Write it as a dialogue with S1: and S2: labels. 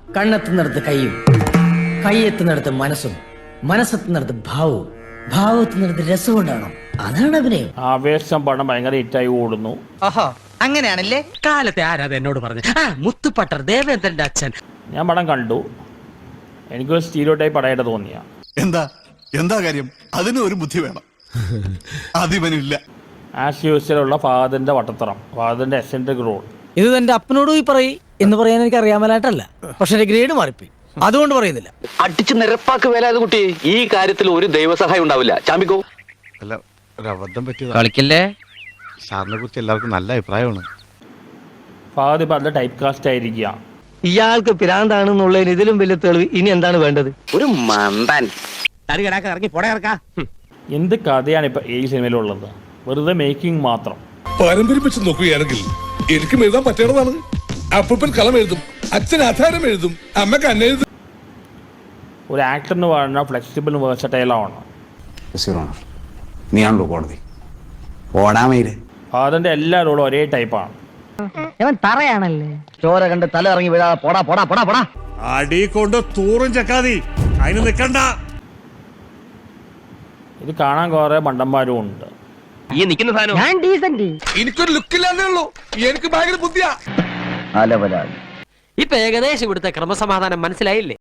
S1: കണ്ണെത്തുന്നിടത്ത് കൈയും, കൈയെത്തുന്നിടത്ത് മനസ്സും, മനസ്സെത്തുന്നിടത്ത് ഭാവവും, ഭാവത്തുന്നിടത്ത് രസം ഉണ്ടാവണം. അതാണ് അഭിനയം.
S2: ആവേശം പടം ഭയങ്കര ഹിറ്റായി ഓടുന്നു.
S3: ഓഹോ, അങ്ങനെയാണല്ലേ?
S4: കാലത്തെ ആരാധ എന്നോട് പറഞ്ഞു. മുത്തുപട്ടർ ദേവേന്ദ്രന്റെ അച്ഛൻ.
S2: ഞാൻ പടം കണ്ടു. എനിക്കൊരു സ്റ്റീരിയോ ടൈപ്പ് പടമായിട്ട് തോന്നിയ.
S5: എന്താ കാര്യം? അതിന് ഒരു ബുദ്ധി വേണം. അതിവനില്ല.
S2: ആസ് യൂസ്വലുള്ള ഫാദറിന്റെ വട്ടത്തറം, ഫാദറിന്റെ എസെൻട്രിക് റോൾ.
S1: ഇത് എന്റെ അപ്പനോട് പോയി പറയും എന്ന് പറയാൻ എനിക്ക് അറിയാമലായിട്ടല്ല, പക്ഷെ എന്റെ ഗ്രേഡ് മാറിപ്പോയി, അതുകൊണ്ട് പറയുന്നില്ല.
S6: അടിച്ച് നിരപ്പാക്ക് വേലായത് കുട്ടി. ഈ കാര്യത്തിൽ ഒരു ദൈവസഹായം ഉണ്ടാവില്ല. ചാമ്പിക്കോ.
S5: അല്ല, ഒരു അബദ്ധം പറ്റിയതാ.
S4: കളിക്കല്ലേ?
S5: സാറിനെ കുറിച്ച് എല്ലാവർക്കും നല്ല അഭിപ്രായമാണ്.
S2: ഫാദർ ഇപ്പൊ അതിന്റെ ടൈപ്പ് കാസ്റ്റ് ആയിരിക്കുക.
S3: ഇയാൾക്ക് പിരാന്താണെന്നുള്ളതിന് ഇതിലും വലിയ തെളിവ് ഇനി എന്താണ് വേണ്ടത്?
S6: ഒരു മന്ദൻ.
S4: ഇറങ്ങി പോടെ ഇറക്കാം.
S2: എന്ത് കഥയാണ് ഇപ്പൊ ഈ സിനിമയിലുള്ളത്? വെറുതെ മേക്കിംഗ് മാത്രം.
S7: പാരമ്പര്യം വെച്ച് നോക്കുകയാണെങ്കിൽ എനിക്കും എഴുതാൻ പറ്റേണ്ടതാണ്. അപ്പൂപ്പൻ കളം എഴുതും, അച്ഛൻ ആധാരം എഴുതും, അമ്മക്ക് അന്നെഴുതും.
S2: ഒരു ആക്ടറിന് പറഞ്ഞ ഫ്ലെക്സിബിൾ വേഴ്സറ്റൈലാണ്.
S8: നീയാണല്ലോ കോടതി. ഓടാമയില്
S2: ഫാദറിന്റെ എല്ലാ റോളും ഒരേ ടൈപ്പാണ്.
S3: തറയാണല്ലേ? ചോര കണ്ട് തല ഇറങ്ങി വീഴാതെ പോടാ പോടാ പോടാ പോടാ.
S7: അടി കൊണ്ട് തൂറും ചക്കാതി, അതിന് നിക്കണ്ട.
S2: ഇത് കാണാൻ കുറെ മണ്ടന്മാരും ഉണ്ട്.
S6: ഈ നിൽക്കുന്ന സാധനം
S3: ഞാൻ ഡീസന്റ്.
S7: എനിക്കൊരു ലുക്കില്ലാന്നേ ഉള്ളൂ, എനിക്ക് ഭയങ്കര ബുദ്ധിയാ.
S3: അലവലാതി.
S4: ഇപ്പൊ ഏകദേശം ഇവിടുത്തെ ക്രമസമാധാനം മനസ്സിലായില്ലേ?